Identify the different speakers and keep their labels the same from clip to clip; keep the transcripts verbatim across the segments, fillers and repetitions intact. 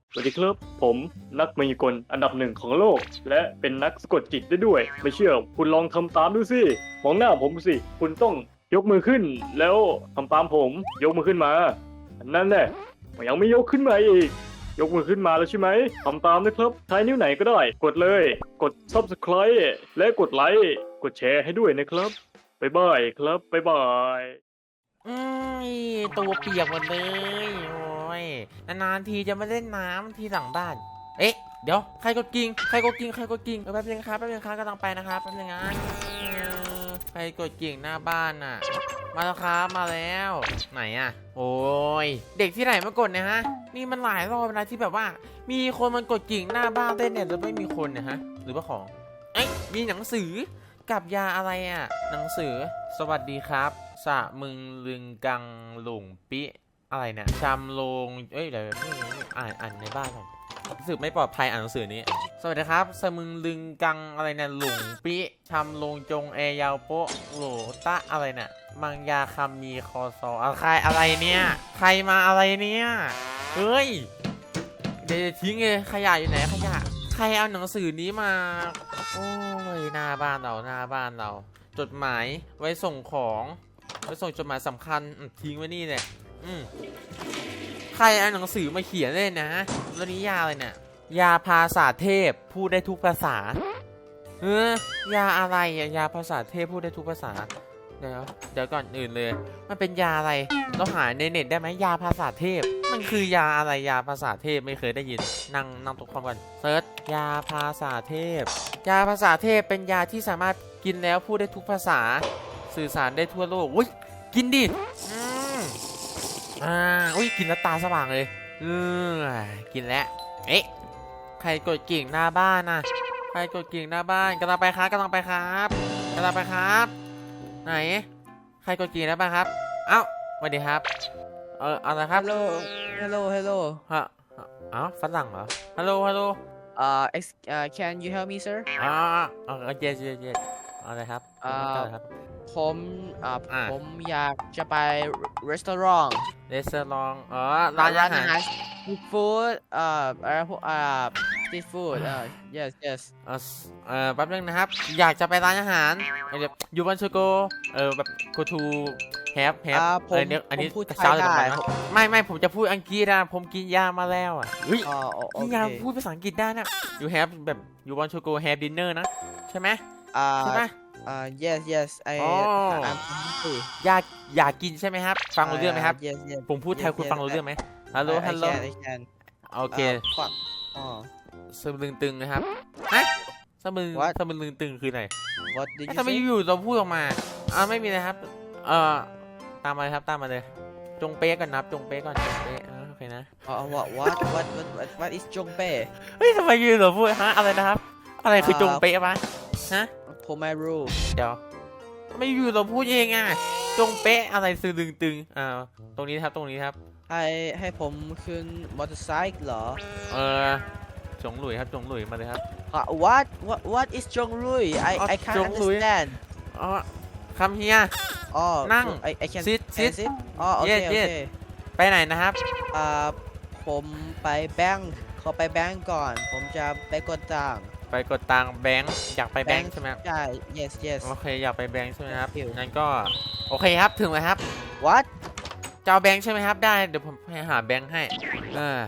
Speaker 1: สวัสดีครับผมนักมายากลอันดับหนึ่งของโลก และเป็นนักสะกดจิตได้ด้วย ไม่เชื่อคุณลองทำตามดูสิมองหน้าผมสิคุณต้องยกมือขึ้น แล้วทำตามผมยกมือขึ้นมานั่นแหละยังไม่ยกขึ้นมาอีกยกมือขึ้นมาแล้วใช่ไหมทำตามนะครับใช้นิ้วไหนก็ได้ กดเลยกด ซับสไครบ์ และกดไลค์กดแชร์ให้ด้วยนะครับบ๊ายบายครับบ๊ายบาย
Speaker 2: อืมตัวเปียกหมดเลยโอ้ยนานๆทีจะมาเล่นน้ำที่หลังบ้านเอ๊ะเดี๋ยวใครกดกิ่งใครกดกิ่งใครกดกิ่งแป๊บนึงครับแป๊บนึงครับกำลังไปนะครับแป๊บนึงนะใครกดกิ่งหน้าบ้านน่ะมาแล้วครับมาแล้วไหนอ่ะโอ้ยเด็กที่ไหนมากดเนี่ยฮะนี่มันหลายรอบนะที่แบบว่า มีคนมันกดกิ่งหน้าบ้านได้เนี่ยแล้วไม่มีคนเนี่ยฮะหรือว่าของเอ๊ะมีหนังสือกับยาอะไรอ่ะหนังสือสวัสดีครับสะมึงลึงกังหลงปิอะไรเนี่ยจำโลงเอ้ยเดี๋ยวนี่อ่านอ่านในบ้านก่อนรู้สึกไม่ปลอดภัยอ่านหนังสือนี้สวัสดีครับสะมึงลึงกังอะไรเนี่ยหลงปิชำโลงจงแอยาวโปะโหลตะอะไรเนี่ยมังยาคำมีคอซออะไรอะไรเนี่ยใครมาอะไรเนี่ยเฮ้ยเดี๋ยวทิ้งเลยขยะอยู่ไหนขยะใครเอาหนังสือนี้มาโอ้ยหน้าบ้านเราหน้าบ้านเราจดหมายไว้ส่งของไว้ส่งจดหมายสำคัญทิ้งไว้นี่แหละอืมใครเอาหนังสือมาเขียนเลยนะแล้วนี้ยาอะไรเนี่ยยาภาษาเทพพูดได้ทุกภาษาเออยาอะไรอะยาภาษาเทพพูดได้ทุกภาษาเดี๋ยวเดี๋ยวก่อนอื่นเลยมันเป็นยาอะไรเราหาในเน็ตได้ไหมยาภาษาเทพมันคือยาอะไรยาภาษาเทพไม่เคยได้ยินนั่งนั่งตรงคอมก่อนเซิร์ชยาภาษาเทพยาภาษาเทพเป็นยาที่สามารถกินแล้วพูดได้ทุกภาษาสื่อสารได้ทั่วโลกอุ้ยกินดิอืมอ่าอุ้ยกินแล้วตาสว่างเลยเออกินแล้วเอ๊ะใครกดกิ่งหน้าบ้านนะใครกดกิ่งหน้าบ้านกำลังไปครับกำลังไปครับกำลังไปครับไหนใครกดกิ่งหน้าบ้านครับเอ้าสวัสดีครับเอออะไรครับ
Speaker 3: Hello, hello, hello.
Speaker 2: ฮะอ้าวฝรั่งเหรอฮัลโหลฮัลโหล
Speaker 3: Uh, ex uh, can you help me, sir?
Speaker 2: อ๋ออ๋อเย็นเย็นเย็นอะไรครับ
Speaker 3: อ่า
Speaker 2: อะไรครับ
Speaker 3: ผมอ่า
Speaker 2: อ่า
Speaker 3: ผมอยากจะไปรีสอร์ท
Speaker 2: เรสเตอรองอ๋อร้านอาหาร
Speaker 3: ซีฟู้ดอ่าอะไรพวกอ่าซีฟู้ดอ่า yes yes
Speaker 2: เออเออแป๊บนึงนะครับ อยากจะไปร้านอาหารเดี๋ยวยูวันชูโกเออแบบ go to have have
Speaker 3: อ่าผ
Speaker 2: เอ
Speaker 3: ม
Speaker 2: อเนี่ยอันนี้
Speaker 3: ผมพูด
Speaker 2: กระ
Speaker 3: ไทย
Speaker 2: เช้าจะ
Speaker 3: ได้
Speaker 2: ไปไหม
Speaker 3: ผม
Speaker 2: ไม่ไม่ผมจะพูดอังกฤษนะผมกินยามาแล้วอ่ะเฮ้ย
Speaker 3: อ๋อโอโอ
Speaker 2: กิน
Speaker 3: เค
Speaker 2: ยาพูดภาษาอังกฤษได้นะ you have แบบ you want to go have dinner นะใช่ไหม
Speaker 3: อ่า
Speaker 2: ใช่ไหม
Speaker 3: อ่า yes yes I
Speaker 2: อ๋อ
Speaker 3: I'm hungry
Speaker 2: อยากอยากกินใช่ไหมครับ ฟังรู้เรื่องไหมครับ
Speaker 3: yes yes
Speaker 2: ผมพูดไทย
Speaker 3: yes,
Speaker 2: คุณ
Speaker 3: yes,
Speaker 2: ฟังรู้เรื่องไหมฮัลโหล
Speaker 3: I
Speaker 2: ฮัลโหล
Speaker 3: can I can
Speaker 2: โอเค
Speaker 3: อ่าฟังอ๋อ
Speaker 2: สมลึงตึงนะครับฮะสมลึง
Speaker 3: What?
Speaker 2: สมลึงตึงคือไหน
Speaker 3: what did you
Speaker 2: ทำไม
Speaker 3: say
Speaker 2: อยู่ๆเราพูดออกมาอ่าไม่มีนะครับเอ่อตามมาเลยครับตามมาเลยจงเป๊ะก่อนนับจงเป๊ะก่อนจงเป๊ะอ่าโอเคนะ
Speaker 3: อ๋อ what what what what what is จงเป้
Speaker 2: เฮ้ยทำไมอยู่ๆเราพูดฮะอะไรนะครับ อะไรคือจงเป๊ะวะฮะ
Speaker 3: ผมไม่รู้
Speaker 2: เดี๋ยวทำไมอยู่ๆเราพูดเองอ่ะจงเป๊ะอะไรสลึงตึงอ่าตรงนี้ครับตรงนี้ครับ
Speaker 3: ให้ให้ผมขึ้นมอเตอร์ไซค์เหรอ
Speaker 2: เออจงหลุยครับจงหลุยมาเลยครับ
Speaker 3: ฮะ what what what is จงลุย I
Speaker 2: อ๋อ
Speaker 3: I can't
Speaker 2: จงลุย
Speaker 3: understand
Speaker 2: อ๋อคำเฮีย
Speaker 3: อ๋อ
Speaker 2: นั่ง
Speaker 3: I I can
Speaker 2: sit
Speaker 3: can
Speaker 2: sit
Speaker 3: sit อ๋อโอเค
Speaker 2: Yes,
Speaker 3: โอ
Speaker 2: yes
Speaker 3: เค
Speaker 2: ไปไหนนะครับ
Speaker 3: อ่าผมไปแบงค์ขอไปแบงค์ก่อน ผมจะไปกดตังค์
Speaker 2: ไปกดตังค์แบงค์อยากไปแบงค์ใช่ไหมครับ
Speaker 3: ใช่ yes yes
Speaker 2: โอเคอยากไปแบงค์ใช่ไหมครับ
Speaker 3: Thank you
Speaker 2: งั้นก็โอเคครับถึงแล้วครับ
Speaker 3: what
Speaker 2: จะเอาแบงค์ใช่ไหมครับได้เดี๋ยวผมให้หาแบงค์ให้เออ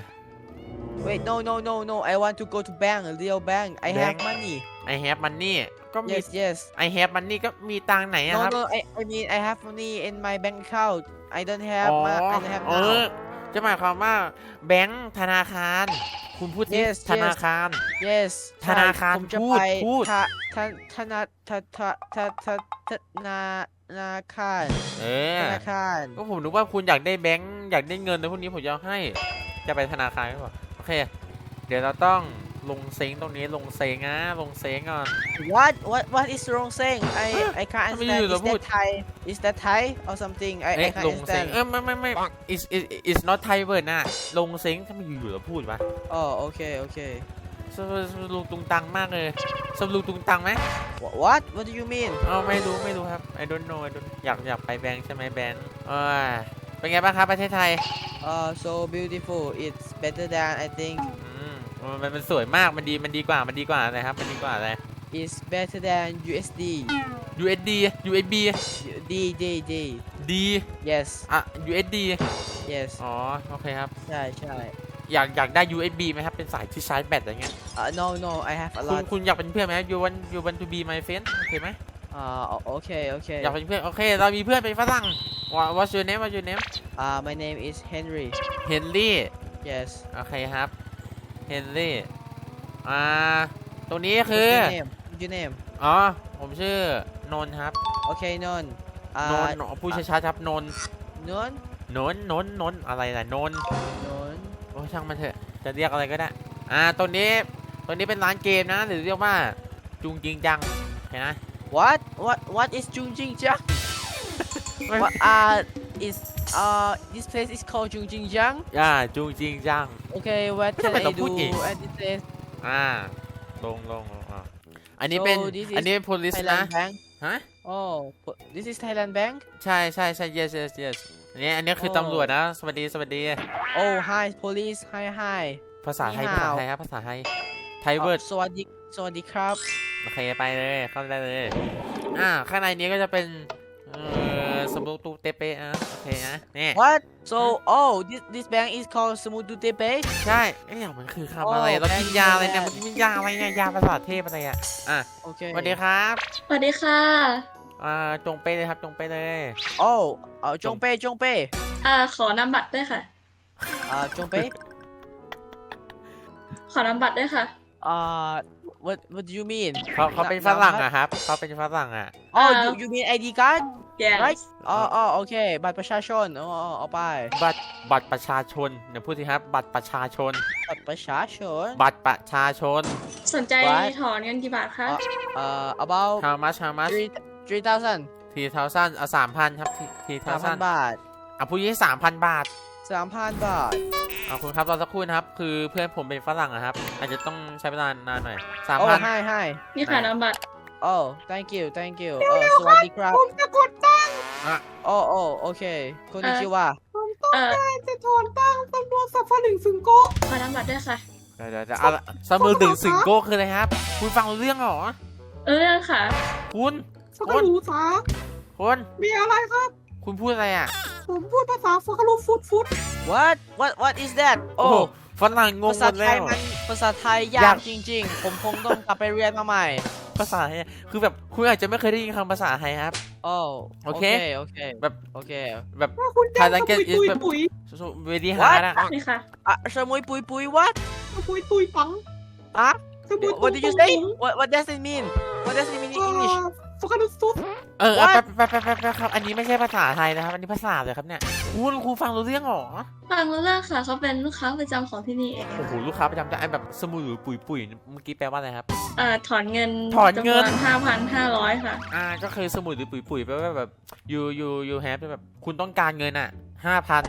Speaker 3: wait no no no no I want to go to bank real bank I have
Speaker 2: Bank
Speaker 3: money
Speaker 2: I have money ก็มี
Speaker 3: yes yes
Speaker 2: I have money ก็มีตังค์ไหนอะ
Speaker 3: no
Speaker 2: ครับ
Speaker 3: no I I mean I have money in my bank account I don't
Speaker 2: อ๋
Speaker 3: have
Speaker 2: อ
Speaker 3: ma- I don't have
Speaker 2: เอ
Speaker 3: now
Speaker 2: อจะหมายความว่าแบงค์ธนาคาร คุณพูดสิ
Speaker 3: Yes,
Speaker 2: ธนาคาร
Speaker 3: yes
Speaker 2: ธนาคาร
Speaker 3: ผมจะ
Speaker 2: พูด
Speaker 3: ไป
Speaker 2: พูด
Speaker 3: ธาธาธนาธาธาธาธาธนาธนาคาร
Speaker 2: เอ
Speaker 3: ธ
Speaker 2: อ
Speaker 3: นาคาร
Speaker 2: ก็ผมนึกว่าคุณอยากได้แบงค์อยากได้เงินในพวกนี้ผมจะให้จะไปธนาคารหรือเปล่าโอเค เดี๋ยวเราต้องลงเซ็งตรงนี้ลงเซ็งนะลงเซ็งก่อน
Speaker 3: what what what is wrong saying I I can't
Speaker 2: ทำไม
Speaker 3: understand
Speaker 2: อยู่ๆเรา
Speaker 3: is
Speaker 2: พูด
Speaker 3: that Thai is that Thai or something I
Speaker 2: เอ๊ะ
Speaker 3: I can't
Speaker 2: ลงเซ็ง
Speaker 3: understand
Speaker 2: เออไม่ไม่ไม่ is is is not Thai word นะลงเซ็งถ้าไม่อยู่ๆเราพูดวะ
Speaker 3: อ๋อโอเคโอเค
Speaker 2: สมลุงตุงตังมากเลยสมลุงตุงตังไหม
Speaker 3: Wha- what what do you mean
Speaker 2: เออไม่รู้ไม่รู้ครับ I don't know I don't อยากอยากไปแบงค์ใช่ไหมแบงค์เออเป็นไงบ้างครับประเทศไทย
Speaker 3: uh so beautiful it's better than I think
Speaker 2: อืมมันมันสวยมากมันดีมันดีกว่ามันดีกว่าอะไรครับมันดีกว่าอะไร
Speaker 3: it's better than ยู เอส ดี
Speaker 2: ยู เอส ดี ยู เอส บี
Speaker 3: D D D
Speaker 2: ดี
Speaker 3: yes
Speaker 2: อ่ะ ยู เอส ดี
Speaker 3: yes
Speaker 2: อ๋อโอเคครับ
Speaker 3: ใช่ใช่
Speaker 2: อยากอยากได้ ยู เอส บี ไหมครับเป็นสายที่ชาร์จแบตอะไรเงี้ย
Speaker 3: uh no no I have a
Speaker 2: คุณ
Speaker 3: lot
Speaker 2: คุณอยากเป็นเพื่อนไหม you want you want to be my friend โอเคไหม
Speaker 3: uh okay okay
Speaker 2: อยากเป็นเพื่อนโอเคเรามีเพื่อนเป็นฝรั่ง What- what's your name what's your name
Speaker 3: uh my name is Henry
Speaker 2: Henry
Speaker 3: yes
Speaker 2: โอเคครับ Henry อ่าตรงนี้คือ
Speaker 3: What's your name What's your name
Speaker 2: อ๋อผมชื่อนนท์ครับ
Speaker 3: okay non
Speaker 2: น
Speaker 3: uh
Speaker 2: นท์พูดช้าๆครับนนท์
Speaker 3: non
Speaker 2: นนท์นนท์นนท์อะไรล่ะนนท์
Speaker 3: non
Speaker 2: โอ้ช่างมันเถอะจะเรียกอะไรก็ได้อ่าตรงนี้ตรงนี้เป็นร้านเกมนะหรือเรียกว่าจุงจริงจังเห็นไหม
Speaker 3: what what what is Jung Jing Jiang what uh is uh this place is called Jung Jing Jiang
Speaker 2: อ่าจุงจริงจัง
Speaker 3: okay what
Speaker 2: ทำ
Speaker 3: can
Speaker 2: ไม
Speaker 3: I
Speaker 2: ต้องพู
Speaker 3: do
Speaker 2: ดเอง
Speaker 3: at this place
Speaker 2: อ่าลงลงลงอ่ะอันนี้เป็น
Speaker 3: So this is
Speaker 2: อันนี้ police นะ
Speaker 3: Thailand Bank
Speaker 2: ฮะ
Speaker 3: oh po- this is Thailand Bank
Speaker 2: ใช่ใช่ใช่ yes yes yes อันนี้อันนี้คือ
Speaker 3: โอ้
Speaker 2: ตำรวจนะสวัสดีสวัสดี
Speaker 3: oh hi police hi hi
Speaker 2: ภาษาไทย
Speaker 3: นี่
Speaker 2: ภาษา
Speaker 3: ฮาว
Speaker 2: ไทยครับภาษาไทยไทยเวิร์ด
Speaker 3: สวัสดีสวัสดีครับ
Speaker 2: โอเคไปเลยเข้าได้เลยอ่าข้างในนี้ก็จะเป็นเอ่อสมุดตูเตเปอ่ะโอเคนะนี่
Speaker 3: what so oh this this bank is called Smutu Tepe
Speaker 2: ใช่เอ้ยมันคือคำอะไร
Speaker 3: โอ้
Speaker 2: เรากิน
Speaker 3: แบงค์
Speaker 2: ยาอะไรเนี่ย
Speaker 3: แบ
Speaker 2: มั
Speaker 3: ง
Speaker 2: น
Speaker 3: ค์
Speaker 2: กินยาอะไรเนี่ยยาภาษาเทพอะไรอ่ะอ่ะ
Speaker 3: okay
Speaker 2: สวัสดีครับ
Speaker 4: สวัสดีค่ะ
Speaker 2: อ่าจงเป้เลยครับจงเป้เลย
Speaker 3: oh เอ่อจงเป้จงเป้
Speaker 4: อ่า ขอนำบัตรด้วยค่ะ
Speaker 3: อ่าจงเป้
Speaker 4: ขอนำบัตรด้วยค่ะ
Speaker 3: อ่า what what do you mean
Speaker 2: เขาเขาเป็นฝรั่งอะครับเขาเป็นฝรั่งอะ
Speaker 3: oh you you mean ไอ ดี card
Speaker 4: yes
Speaker 3: right อ๋ออ๋อโอเคบัตรประชาชนอ๋ออ๋อเอาไป
Speaker 2: บัตรบัตรประชาชนเดี๋ยวพูดสิครับบัตรประชาชน
Speaker 3: บัตรประชาชน
Speaker 2: บัตรประชาชน
Speaker 4: สนใจ
Speaker 3: What?
Speaker 4: ถอนเงินกี่บาทคะ
Speaker 3: เอ่อ about
Speaker 2: how much how much
Speaker 3: three three thousand
Speaker 2: ทีเทาซันเอาสามพันครับทีเทา
Speaker 3: สามพั
Speaker 2: ซั
Speaker 3: น
Speaker 2: น
Speaker 3: บาท
Speaker 2: อ่ะพูดยี่สามพันบาท
Speaker 3: สามพันบาท
Speaker 2: อ่ะคุณครับรอสักครู่นะครับคือเพื่อนผมเป็นฝรั่งอะครับอาจจะต้องใช้เวลานานหน่อยสาม
Speaker 3: oh
Speaker 2: พัน
Speaker 3: hi hi
Speaker 4: นี่ค่ะนำบัตร
Speaker 3: oh thank you thank you เออสวัสดีครับ
Speaker 5: ผมจะกดตังค์
Speaker 2: อ่ะ
Speaker 3: โอ้โอ้โอเคคนนี้ชื่อว่า
Speaker 5: ผมต้อง
Speaker 4: เอ่อ
Speaker 5: การจะถอนตังค์ตำรวจสัฟหนึ่งซึงโกะ
Speaker 4: ขอนำบัตรด้วยค่ะ
Speaker 2: เดี๋ยวเดี๋ยวเดี๋ยวเอาละสมือถึงสิงโก้คืออะไรครับ คุณฟังรู้เรื่องเหรอ
Speaker 4: เออเรื่องค่ะ
Speaker 2: คุณ
Speaker 5: สกรูสา
Speaker 2: คุณ
Speaker 5: มีอะไรครับ
Speaker 2: คุณพูดอะไรอ่ะ
Speaker 5: ผมพูดภาษาสกรูฟุตฟุต
Speaker 3: what what what is that
Speaker 2: โอ้
Speaker 3: โอ้
Speaker 2: ฝรั่งงง
Speaker 3: ภา
Speaker 2: ห
Speaker 3: ษาม
Speaker 2: ด
Speaker 3: ไท
Speaker 2: แล้
Speaker 3: ยว มันภาษาไทยยาย
Speaker 2: าก ก
Speaker 3: จริง ๆ ผมคงต้องกลับไปเรียนมาใหม่
Speaker 2: ภาษาไทยคือแบบคุณอาจจะไม่เคยได้ยินคำภาษาไทยครับ
Speaker 3: โอ้
Speaker 2: โอ
Speaker 3: โอ
Speaker 2: เค
Speaker 3: เคโอเค
Speaker 2: แบบ
Speaker 3: โอเค
Speaker 2: แบบ
Speaker 5: ว่าคุณแจ้ง
Speaker 2: Thailand
Speaker 5: สปุย
Speaker 2: is
Speaker 5: ตุย
Speaker 2: แบบ
Speaker 5: ปุ๋ย
Speaker 2: เวดีฮาร์ดอะ
Speaker 4: นี่ค่ะ
Speaker 3: อ่ะสมุยปุยปุย what
Speaker 5: สปุยตุยปัง
Speaker 3: อ่ะ
Speaker 5: สปุยตุย
Speaker 3: what did you say what what does it mean what does it mean in English
Speaker 5: สกรูสุด
Speaker 2: เออ
Speaker 3: What?
Speaker 2: แป๊บแป๊บแป๊บแป๊บแป๊บครับ อันนี้ไม่ใช่ภาษาไทยนะครับ อันนี้ภาษาเลยครับเนี่ย คุณครูฟังรู้เรื่องเหรอ
Speaker 4: ฟังรู้เรื่องค่ะ เขาเป็นลูกค้าประจำของที่นี่เอง
Speaker 2: โอ้โห ลูกค้าประจำจะไอ้แบบสมุยหรือปุ๋ยปุ๋ยเมื่อกี้แปลว่าอะไรครับ
Speaker 4: เอ่อ ถอนเงิน
Speaker 2: ถอนเงิน
Speaker 4: จำวห้าพันห้าร้อยค่ะ
Speaker 2: อ่า ก็คือสมุยหรือปุ๋ยปุ๋ยแปลว่าแบบ you you you have แบบ คุณต้องการเงินอ่ะห้าพัน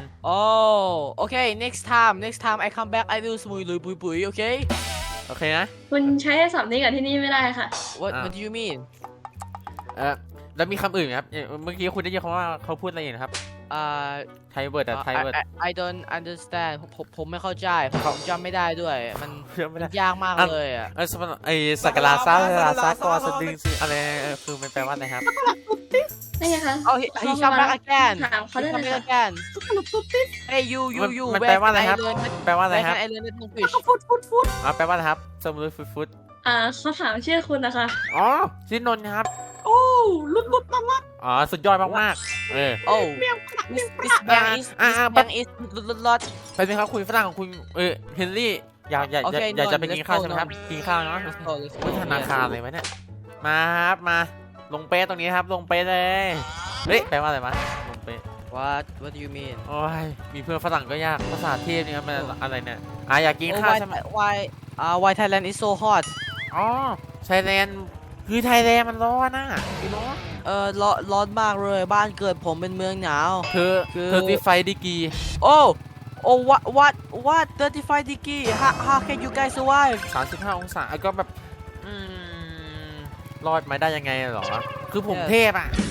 Speaker 3: oh okay next time next time I come back I will สมุยลุยปุยปุย okay
Speaker 2: โอเคนะ
Speaker 4: คุณใช้ศัพท์นี้กับที่นี่ไม่ได้ค่ะ
Speaker 3: what
Speaker 2: อ่ะ
Speaker 3: what do you mean
Speaker 2: เออแล้วมีคำอื่นไหมครับเอ่อเมื่อกี้คุณได้ยินคำว่าเขาพูดอะไรอยู่นะครับ
Speaker 3: อ่า
Speaker 2: ไทยเวิร์ดอะไทย
Speaker 3: I,
Speaker 2: เวิร์ด
Speaker 3: I, I don't understand ผมผมผมไม่เข้าใจผมจำไม่ได้ด้วย มัน
Speaker 2: เชื่อไม่
Speaker 3: มั
Speaker 2: ได้
Speaker 3: นยากมาก
Speaker 2: อ่ะ
Speaker 3: เลยอ่ะ
Speaker 2: เออสมมติไอ้สักการะซาลาซากอสดึงสิอะไรเออคือมันแปลว่าอะไรครับ
Speaker 4: นี่ไงคะ
Speaker 3: oh he he come back again
Speaker 4: ถามเขา
Speaker 3: he
Speaker 4: ได้
Speaker 3: come
Speaker 4: เลย
Speaker 3: back
Speaker 4: ค่ะ
Speaker 3: again
Speaker 5: สกรูสุดติด
Speaker 3: hey you you
Speaker 2: มัน
Speaker 3: you
Speaker 2: มัน
Speaker 3: where
Speaker 2: แปลว่าอะไร
Speaker 3: can
Speaker 2: ครับ
Speaker 3: I learn that
Speaker 2: แปลว่าอะไร
Speaker 3: where
Speaker 2: ครับ
Speaker 3: can I learn that English
Speaker 5: ฟุตฟุตฟุต
Speaker 2: อ่าแปลว่าอะไรครับสมุยฟุตฟุต
Speaker 4: อ่าเขาถามชื่อคุณนะคะ
Speaker 2: อ๋อชื่อนนท์ครับ
Speaker 5: โอ้ลุดลุดมากมาก
Speaker 2: อ๋อ สุดยอดมากๆ เออ
Speaker 3: oh
Speaker 5: เมียงขนาดเมี
Speaker 3: this
Speaker 5: ยงข
Speaker 3: this
Speaker 5: นาด
Speaker 3: bank is
Speaker 2: อ่ะ
Speaker 3: this
Speaker 2: อ่ะ
Speaker 3: bank is lot lot
Speaker 2: ไปสิครับคุณฝรั่งของคุณ เออ เฮนรี่ อยากอยากอยาก
Speaker 3: โอเค
Speaker 2: อยากจะ
Speaker 3: นนท์
Speaker 2: ไปกินข้าว
Speaker 3: let's go
Speaker 2: ใช่ไหมครับ กินข้าวเนาะ
Speaker 3: let's go let's go
Speaker 2: วิธนาคารเลยวะเนี่ย มาครับ มา ลงเป๊ะตรงนี้ครับ ลงเป๊ะเลย เฮ้ย แปลว่าอะไรวะ ลงเป๊ะ
Speaker 3: what what do you mean
Speaker 2: โอ้ย มีเพื่อนฝรั่งก็ยาก ภาษาเทพนี่ครับมันอะไรเนี่ย อ่ะอยากกิน
Speaker 3: oh
Speaker 2: ข้าว
Speaker 3: why
Speaker 2: ใช่ไหม
Speaker 3: why อ่า why Thailand is so hot
Speaker 2: อ๋อไทยแลนด์คือไทยแลนด์มันร้อนนะพี่น้อง
Speaker 3: เออร้อนร้อนมากเลยบ้านเกิดผมเป็นเมืองหนาว
Speaker 2: เธอ
Speaker 3: คือ
Speaker 2: เธอที่ไฟดีกี
Speaker 3: oh oh what what what thirty-five degree how how can you guys survive
Speaker 2: สามสิบห้าองศาก็แบบ อืม รอดมาได้ยังไงเหรอ คือผม
Speaker 3: Yes.
Speaker 2: เทพอ่ะ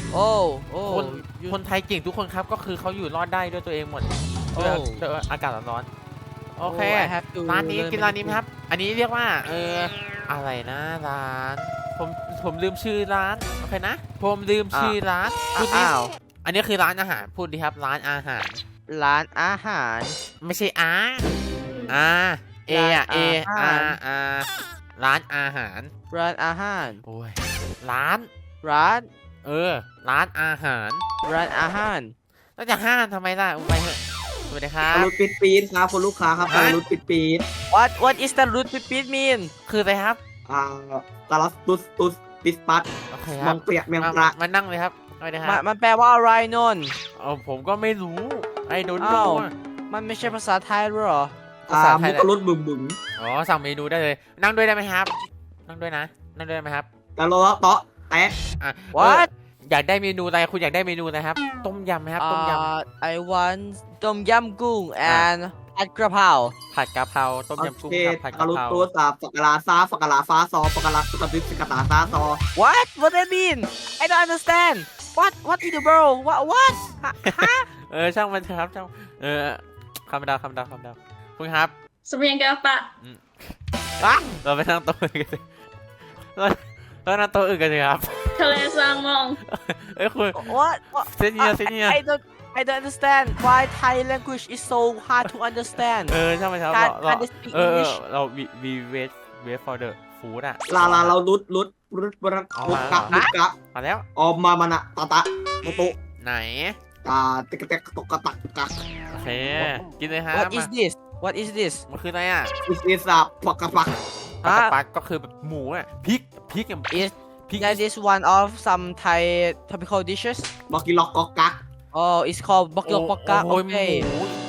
Speaker 3: โอ้โอ้
Speaker 2: คน
Speaker 3: you-
Speaker 2: คนไทยเก่งทุกคนครับก็คือเขาอยู่รอดได้ด้วยตัวเองหมดด้วย
Speaker 3: โอ้
Speaker 2: ด้วยอากาศร้อนๆโอเค
Speaker 3: Oh, I have to
Speaker 2: ร้านนี้
Speaker 3: learn
Speaker 2: กินร้านนี้ไหมครับ อันนี้เรียกว่าเอออะไรนะร้านผมผมลืมชื่อร้านโอเคนะ ผมลืมชื่อร้านพูดดิ
Speaker 3: อ้าว
Speaker 2: อันนี้คือร้านอาหารพูดดิครับร้านอาหาร
Speaker 3: ร้านอาหาร
Speaker 2: ไม่ใช่อาอาเออะเอ
Speaker 3: ร้าน
Speaker 2: อา
Speaker 3: อาหาร
Speaker 2: อาร้านอาหาร
Speaker 3: ร้านอาหาร
Speaker 2: โอ้ยร้าน
Speaker 3: ร้าน
Speaker 2: เออ ร้านอาหาร
Speaker 3: ร้านอาหาร
Speaker 2: แล้วจะห้ามทำไมล่ะไปเถอะสวัสดีครับ
Speaker 5: รุดปิดปีดครับคุณลูกค้าครับ
Speaker 2: ฮะ
Speaker 5: รุดปิดปีด
Speaker 3: what what is the root pipit mean
Speaker 2: คืออะไรครับ
Speaker 5: อ่าตาลัสตุสตุสปิสปัส
Speaker 2: โอเคค
Speaker 5: ม
Speaker 2: รั
Speaker 5: อบ งเปียกเมียง
Speaker 2: มา
Speaker 5: ปลา
Speaker 2: มานั่งเลยครับสวัสดีค
Speaker 3: มั
Speaker 2: รั
Speaker 3: น
Speaker 2: บ
Speaker 3: มันแปลว่าอะไรนนท์
Speaker 2: เออผมก็ไม่รู้ไอ้โดน
Speaker 3: อ้า
Speaker 2: ดู
Speaker 3: ว มันไม่ใช่ภาษาไทยหรอ
Speaker 2: ภาษา
Speaker 5: อ่า
Speaker 2: ไท
Speaker 5: มุ
Speaker 2: ย
Speaker 5: ก
Speaker 2: แหละ
Speaker 5: รุดบึมบึม
Speaker 2: อ๋อสั่งเมนูได้เลย นั่งด้วยได้ไหมครับ นั่งด้วยนะ นั่งด้วยได้ไหมครับ
Speaker 5: แล้วเราเตาะแตะ
Speaker 2: อ่ะ
Speaker 3: What
Speaker 2: เอออยากได้เมนูอะไรคุณอยากได้เมนูอะไรครับ ต้มยำไหมครับ ต้มย
Speaker 3: Uh, I want ต้มยำกุ้ง
Speaker 2: อ่ะ
Speaker 3: and ผัดกระเพรา
Speaker 2: ำผัดกะเพราต้ม
Speaker 5: โอย
Speaker 2: ำกุ้ง
Speaker 5: เค
Speaker 2: กับผัด
Speaker 5: ตาก
Speaker 2: ะ
Speaker 5: ลุด
Speaker 2: เพรา
Speaker 5: ตัวสาฝักกะลาซาฝักกะลาฟ้าซอฝักกะลาสกัดดิสกะตาซาซอ
Speaker 3: What what that mean I don't understand What what in the world What what ฮะฮะ
Speaker 2: เออช่างมันเถอะครับช่างเออคำดาวคำดาวคำดาวคุณครับ
Speaker 4: สเปียงแก้วปะ
Speaker 2: เราไปนั่งโต๊ะอื่นกันสิเราเรานั่งโต๊ะอื่นกันสิครับ
Speaker 4: ทะเลซางมอง
Speaker 2: เอ้ยคุณ
Speaker 3: What what
Speaker 2: เซนเนียเซนเนีย
Speaker 3: I don't I don't understand why Thai language is so hard to understand
Speaker 2: เออช่างมันครับ
Speaker 3: Can't
Speaker 2: เรา
Speaker 3: understand
Speaker 2: เออเออ
Speaker 3: English
Speaker 2: เราวีวีเวสเวส for the food อะ
Speaker 5: ลาลาเราลุดลุดลุดบรัก
Speaker 2: เอา
Speaker 5: ลุด
Speaker 2: มาก
Speaker 5: ะลุดกะ
Speaker 2: มาแล้ว
Speaker 5: ออมมามันอะตะตะโตโต
Speaker 2: ไหน
Speaker 5: ตาติกะเตกตกกะตักกะ
Speaker 2: โอเค กินเลยฮะ
Speaker 3: What
Speaker 2: มา
Speaker 3: is this What is this
Speaker 2: มันคืออะไรอ่ะ
Speaker 5: อิสอิสอะปักกะปัก
Speaker 2: ปลากระปักก็คือแบบหมูอ่ะพริกพริกอย่าง
Speaker 3: Is
Speaker 2: พริก
Speaker 3: that is one of some Thai tropical dishes
Speaker 5: บอกกิล็อกกอกกะ
Speaker 3: Oh it's called บกยกปกกะ
Speaker 2: โอ้ยหมู
Speaker 3: Okay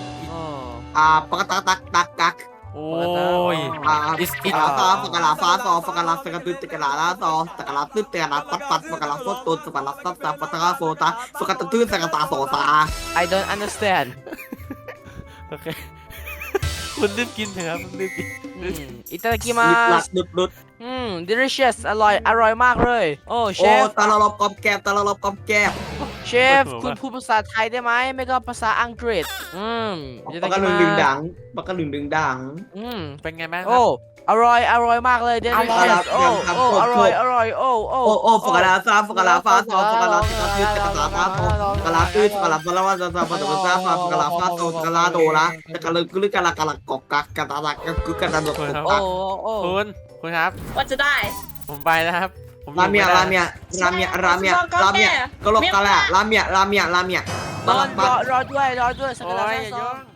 Speaker 3: Oh
Speaker 5: อ่าปักกะตักตักตักกัก
Speaker 2: โอ้ย
Speaker 5: อ่า
Speaker 2: Is
Speaker 5: ปัก
Speaker 2: it
Speaker 5: กะลาซาปักกะลาฟ้าซอปักกะลาสกัดดิสกะลาลาซอสกะลาตึ๊ดเตะลาปัดปัดปักกะลาโซตุนสกัดลาซับซับปัตตะกะโซตาสกัดตื้นสกัดตาโซตา
Speaker 3: I don't understand
Speaker 2: โอเค คุณรีบกินเถอะครับคุณรีบกิน
Speaker 3: อืมอิตาลีกิ
Speaker 5: ลุด
Speaker 3: มา
Speaker 5: ลั
Speaker 3: ส
Speaker 5: ดลุดลุด
Speaker 3: อืม delicious อร่อย อร่อยมากเลย โอ้ เช
Speaker 5: โอ้
Speaker 3: ฟ
Speaker 5: ตาลลบกอบแกบตาลลบกอบแกบ
Speaker 3: เชฟ คุณพูดภาษาไทยได้ไหม ไม่ก็ภาษาอังกฤษ อืมอิ
Speaker 5: ปั
Speaker 3: ตาก
Speaker 5: กะ
Speaker 3: ลิ
Speaker 5: ลึง
Speaker 3: มา
Speaker 5: ดึงดังปักกะลึงดึงดัง
Speaker 3: อืม
Speaker 2: เป็นไงบ้างครั
Speaker 3: โอ้
Speaker 2: บ
Speaker 3: อร่อย อร่อยมากเลย
Speaker 5: อร่อย
Speaker 3: delicious โอ้
Speaker 5: ครับ
Speaker 3: โอ้
Speaker 5: ครับ
Speaker 3: อร่อย อร่อย โอ้ โอ้
Speaker 5: โอ้โอ้ฟักกะลาซาฟักกะลาฟ้าซอฟักกะลาสกัดตื้นสกัดตาฟ้าโซฟักกะลาตื้นฟักกะลาฟาลาวาซาซาฟักกะลาซาฟักกะลาฟ้าโซฟักกะลาโดละสกัดลึกลึกกะลากะลากอกกักกะตาตะกะกึกกะตาโดก
Speaker 2: คุณครับ
Speaker 3: โอ้
Speaker 5: กัก
Speaker 3: โอ้
Speaker 2: คุณคุณครับ
Speaker 4: ว่าจะได้
Speaker 2: ผมไปแล้วครับผมอ
Speaker 5: รา
Speaker 2: ยู่
Speaker 5: เมีย
Speaker 2: ไได้
Speaker 5: ราเมียราเมียราเมียราเมียกะโลกกะละราเมียราเมียราเมีย
Speaker 3: นอนรอรอด้วย รอด้วยสัก
Speaker 2: โอ้
Speaker 3: กะลาย
Speaker 2: อย่า
Speaker 3: ซ
Speaker 2: ย่
Speaker 3: อ
Speaker 2: อง